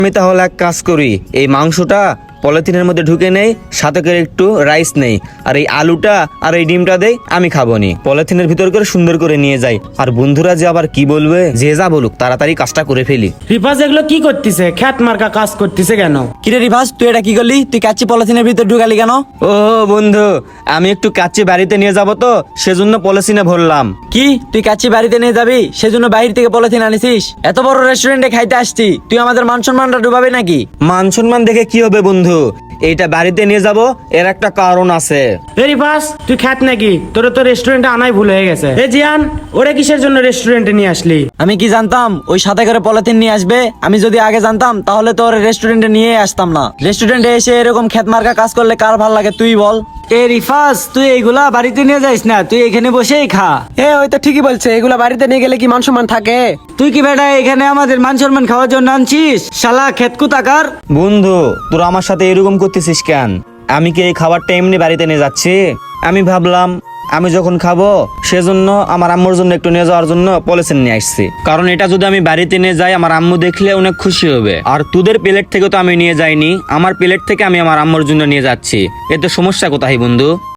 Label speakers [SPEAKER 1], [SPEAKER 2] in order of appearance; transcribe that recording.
[SPEAKER 1] আমি তাহলে এক কাজ করি, এই মাংসটা পলিথিনের মধ্যে ঢুকে নেই, সাথে করে একটু রাইস নেই, আর এই আলুটা আর এই ডিমটা দেই, আমি খাবো নি। পলিথিনের ভিতর করে সুন্দর করে নিয়ে যাই। আর বন্ধুরা যে আবার কি বলবে, যে যা বলুক তাড়াতাড়ি কাজটা করে ফেলি।
[SPEAKER 2] রিফাজ এগুলো কি করতেছে? খ্যাত মার্কা কাজ করতেছে কেন?
[SPEAKER 3] কিরে রিভাস, তুই এটা কি করলি? তুই কাচ্চি পলিথিনের ভিতর ঢুকালি কেন?
[SPEAKER 1] ও বন্ধু, আমি একটু কাচ্চি বাড়িতে নিয়ে যাব তো, সেজন্য পলিথিনে ভরলাম।
[SPEAKER 3] কি তুই কাচ্চি বাড়িতে নিয়ে যাবি, সেজন্য বাইরে থেকে পলিথিন আনিছিস? এত বড় রেস্টুরেন্টে খাইতে আসছি, তুই আমাদের মান সম্মানটা ডুবাবি নাকি?
[SPEAKER 1] মান সম্মান দেখে কি হবে বন্ধু, এইটা বাড়িতে নিয়ে যাব, এর একটা কারণ আছে।
[SPEAKER 2] এ রিফাজ, তুই খ্যাত নাকি? তোর তো রেস্টুরেন্টে আনাই ভুল হয়ে গেছে। এ জিয়ান, ওরে কিসের জন্য রেস্টুরেন্টে নিয়ে আসলি?
[SPEAKER 3] আমি কি জানতাম ওই সাথে করে পলিথিন নিয়ে আসবে? আমি যদি আগে জানতাম তাহলে তো ওর রেস্টুরেন্টে নিয়ে আসতাম না। রেস্টুরেন্টে এসে এরকম খেত মার্কা কাজ করলে কার ভাল লাগে তুই বল?
[SPEAKER 4] এ রিফাজ, তুই এইগুলা বাড়িতে নিয়ে যাইস না, তুই এখানে বসেই খা।
[SPEAKER 5] ওই তো ঠিকই বলছে, এগুলা বাড়িতে নিয়ে গেলে কি মান সম্মান থাকে?
[SPEAKER 4] তুই কি বেটা এখানে আমাদের মান সম্মান খাওয়ার জন্য আনছিস? শালা খেতকু তাকার।
[SPEAKER 1] বন্ধু, তোরা আমার সাথে এরকম করতেছিস কেন? আমি কি এই খাবারটা এমনি বাড়িতে নিয়ে যাচ্ছি? আমি ভাবলাম আমি যখন খাবো সেজন্য আমার আম্মুর জন্য একটু নিয়ে যাওয়ার জন্য পলিথিন নিয়ে আসছি। কারণ এটা যদি আমি বাড়িতে নিয়ে যাই, আমার আম্মু দেখলে অনেক খুশি হবে। আর তোদের প্লেট থেকে তো আমি নিয়ে যাইনি, আমার প্লেট থেকে আমি আমার আম্মুর জন্য নিয়ে যাচ্ছি। এতে সমস্যা কোথায় বন্ধু?